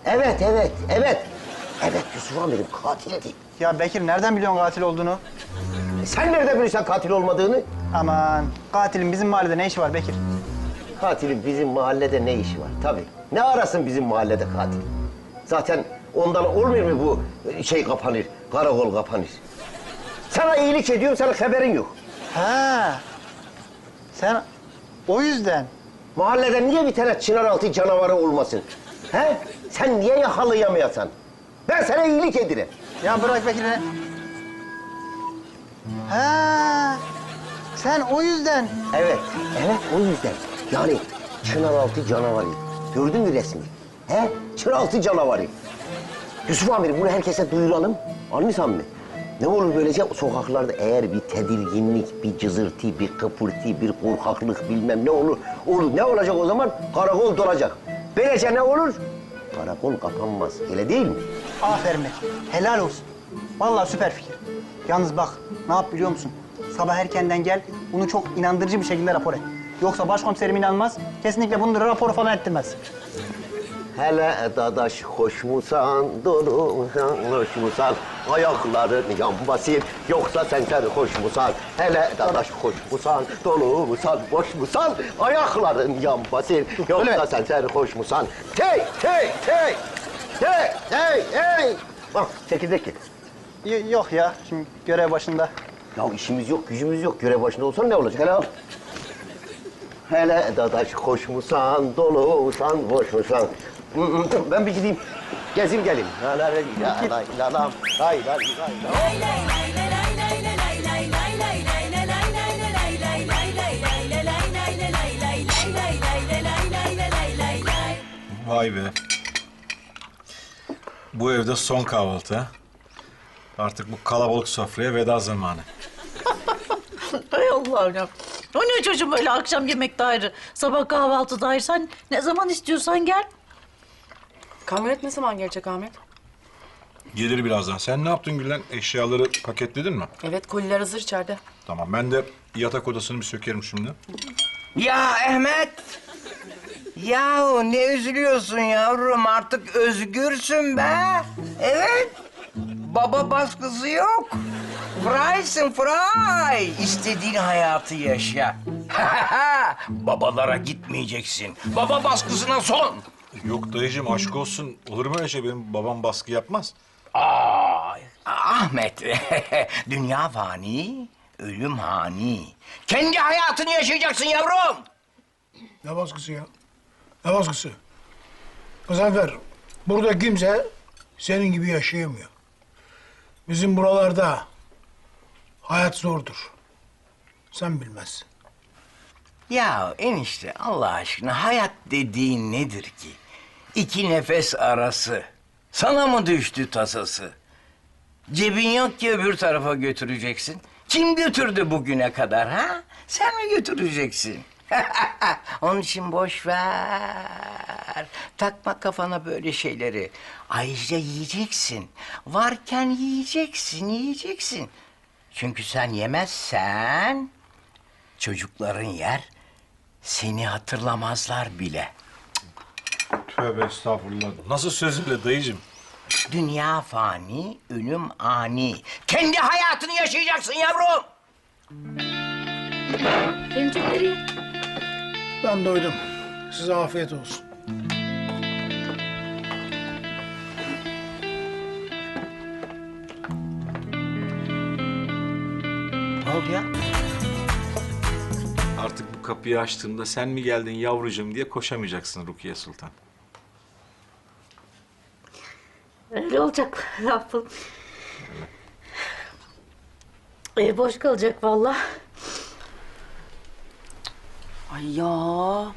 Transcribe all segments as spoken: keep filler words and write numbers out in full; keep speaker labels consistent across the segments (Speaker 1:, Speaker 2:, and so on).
Speaker 1: Evet, evet, evet. Evet, Yusuf amirim katildi.
Speaker 2: Ya Bekir nereden biliyorsun katil olduğunu?
Speaker 1: E sen nereden biliyorsun katil olmadığını?
Speaker 2: Aman katilin bizim mahallede ne işi var Bekir?
Speaker 1: Katilin bizim mahallede ne işi var? Tabii. Ne arasın bizim mahallede katil? Zaten ondan olmuyor mu bu şey kapanır, karakol kapanır? Sana iyilik ediyorum, senin haberin yok.
Speaker 2: Ha. Sen o yüzden.
Speaker 1: Mahallede niye bir tane Çınaraltı canavarı olmasın? He? Sen niye yakalayamayasan? Ben sana iyilik ederim.
Speaker 2: Ya bırak Bekir'i. Ha. Sen o yüzden.
Speaker 1: Evet, evet o yüzden. Yani Çınaraltı canavarı. Gördün mü resmi? He? Çınaraltı canavarı. Yusuf amirim bunu herkese duyuralım. Anlıyorsan mı? Ne olur böylece sokaklarda eğer bir tedirginlik, bir cızırtı, bir kıpırtı, bir korkaklık bilmem ne olur. Olur. Ne olacak o zaman? Karakol dolacak. Böylece ne olur? Karakol kapanmaz. Öyle değil mi?
Speaker 2: Aferin Bekir. Helal olsun. Vallahi süper fikir. Yalnız bak ne yap biliyor musun? Sabah erkenden gel, bunu çok inandırıcı bir şekilde rapor et. Yoksa başkomiserim inanmaz, kesinlikle bunu raporu falan ettirmez.
Speaker 1: Hele dadaş hoş musan, dolu musan, hoş musan, ayakların yan basayım, yoksa sen hoş musan? Hele dadaş hoş musan, dolu musan, boş musan, ayakların yan basayım, yoksa sen hoş musan? Hey, hey, hey, hey, hey, hey! Bak, çekirdek ye.
Speaker 2: Y- yok ya, şimdi görev başında.
Speaker 1: Ya işimiz yok, gücümüz yok. Görev başında olsan ne olacak? Hele al. Hele dadaş hoş musan, dolu musan, boş musan? Hı hı, ben bir gideyim, gezeyim geleyim. La la la la la la la lay lay lay lay.
Speaker 3: Vay be. Bu evde son kahvaltı ha. Artık bu kalabalık sofraya veda zamanı.
Speaker 4: Hay Allah'ım ya. O ne çocuğum öyle akşam yemekte ayrı, sabah kahvaltıda ayrı. Sen ne zaman istiyorsan gel.
Speaker 5: Kamyonet ne zaman gelecek Ahmet?
Speaker 3: Gelir birazdan. Sen ne yaptın Gülen? Eşyaları paketledin mi?
Speaker 5: Evet, koliler hazır içeride.
Speaker 3: Tamam. Ben de yatak odasını bir sökerim şimdi.
Speaker 6: Ya Ahmet! Yahu ne üzülüyorsun yavrum? Artık özgürsün be. Evet. Baba baskısı yok. Frysın fry. İstediğin hayatı yaşa. Babalara gitmeyeceksin. Baba baskısına son.
Speaker 3: Yok dayıcığım aşk olsun. Olur mu öyle şey? Benim babam baskı yapmaz.
Speaker 6: Ay, Ahmet, dünya fani, ölüm hani. Kendi hayatını yaşayacaksın yavrum.
Speaker 7: Ne baskısı ya? Ne baskısı? Gazanfer, burada kimse senin gibi yaşayamıyor. Bizim buralarda hayat zordur. Sen bilmezsin.
Speaker 6: Ya enişte Allah aşkına hayat dediğin nedir ki? İki nefes arası. Sana mı düştü tasası? Cebin yok ki öbür tarafa götüreceksin. Kim götürdü bugüne kadar ha? Sen mi götüreceksin? Onun için boş ver. Takma kafana böyle şeyleri. Ayrıca yiyeceksin. Varken yiyeceksin, yiyeceksin. Çünkü sen yemezsen çocukların yer, seni hatırlamazlar bile.
Speaker 3: Tövbe estağfurullah. Nasıl sözümle dayıcığım?
Speaker 6: Dünya fani, ölüm ani. Kendi hayatını yaşayacaksın yavrum.
Speaker 4: Benim çok nereye?
Speaker 7: Ben doydum. Size afiyet olsun.
Speaker 6: Ne oldu ya?
Speaker 3: Artık bu kapıyı açtığımda sen mi geldin yavrucuğum diye koşamayacaksın Rukiye Sultan.
Speaker 4: Öyle olacak. Ne yapalım? Ev boş kalacak vallahi.
Speaker 5: Ay ya.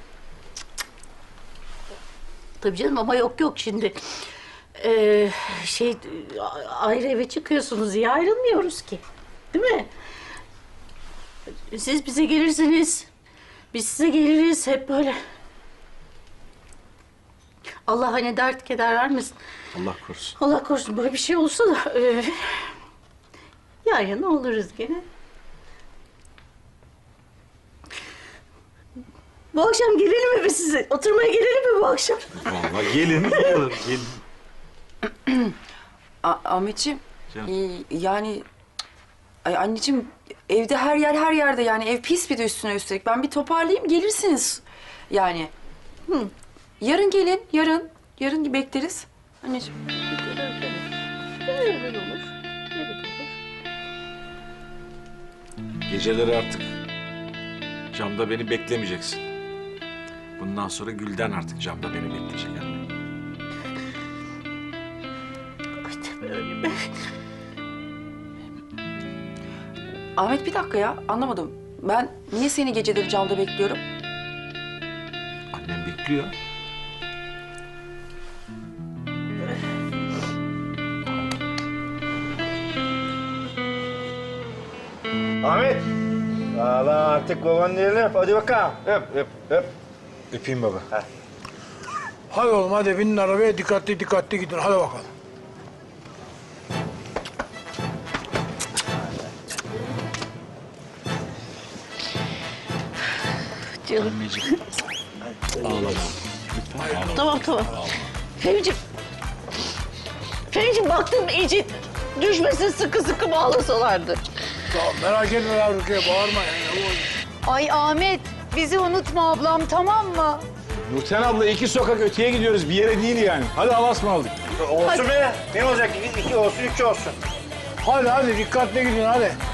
Speaker 4: Tabii canım ama yok yok şimdi. Ee, şey ayrı eve çıkıyorsunuz diye ayrılmıyoruz ki. Değil mi? Siz bize gelirsiniz. Biz size geliriz hep böyle. Allah hani dert keder vermesin.
Speaker 3: Allah korusun.
Speaker 4: Allah korusun böyle bir şey olsa da e, yan yana oluruz gene. Bu akşam gelelim mi biz size? Oturmaya gelelim mi bu akşam?
Speaker 3: Vallahi gelin, gelin, gelin.
Speaker 5: A- Ahmetciğim,
Speaker 3: Canım.
Speaker 5: e, yani... Ay anneciğim, evde her yer her yerde yani. Ev pis bir de üstüne üstelik. Ben bir toparlayayım, gelirsiniz. Yani. Hı. Yarın gelin, yarın. Yarın bekleriz. Anneciğim.
Speaker 4: Öyle olur. Evet olur.
Speaker 3: Geceleri artık camda beni beklemeyeceksin. Bundan sonra Gülden artık camda beni bekleyecek anne.
Speaker 5: Ahmet bir dakika ya, anlamadım. Ben niye seni geceleri camda bekliyorum?
Speaker 3: Annem bekliyor.
Speaker 8: Ahmet. Valla artık babanın elini öp. Hadi bakalım. Öp, öp, öp.
Speaker 3: Öpeyim baba.
Speaker 7: Hadi oğlum hadi binin arabaya dikkatli dikkatli gidin hadi bakalım.
Speaker 4: Canım.
Speaker 3: Anneciğim. Ağlama.
Speaker 4: Tamam tamam. Fehmiciğim. Fehmiciğim baktım iyice düşmesin sıkı sıkı bağlasalardı.
Speaker 7: Tamam merak etme ya Rukiye bağırma ya.
Speaker 9: Ay Ahmet, bizi unutma ablam tamam mı?
Speaker 10: Nurten abla iki sokak öteye gidiyoruz. Bir yere değil yani. Hadi Allah'a ısmarladık.
Speaker 8: Olsun be. Ne olacak? İki, iki olsun, üç olsun.
Speaker 7: Hadi hadi dikkatli gidin hadi.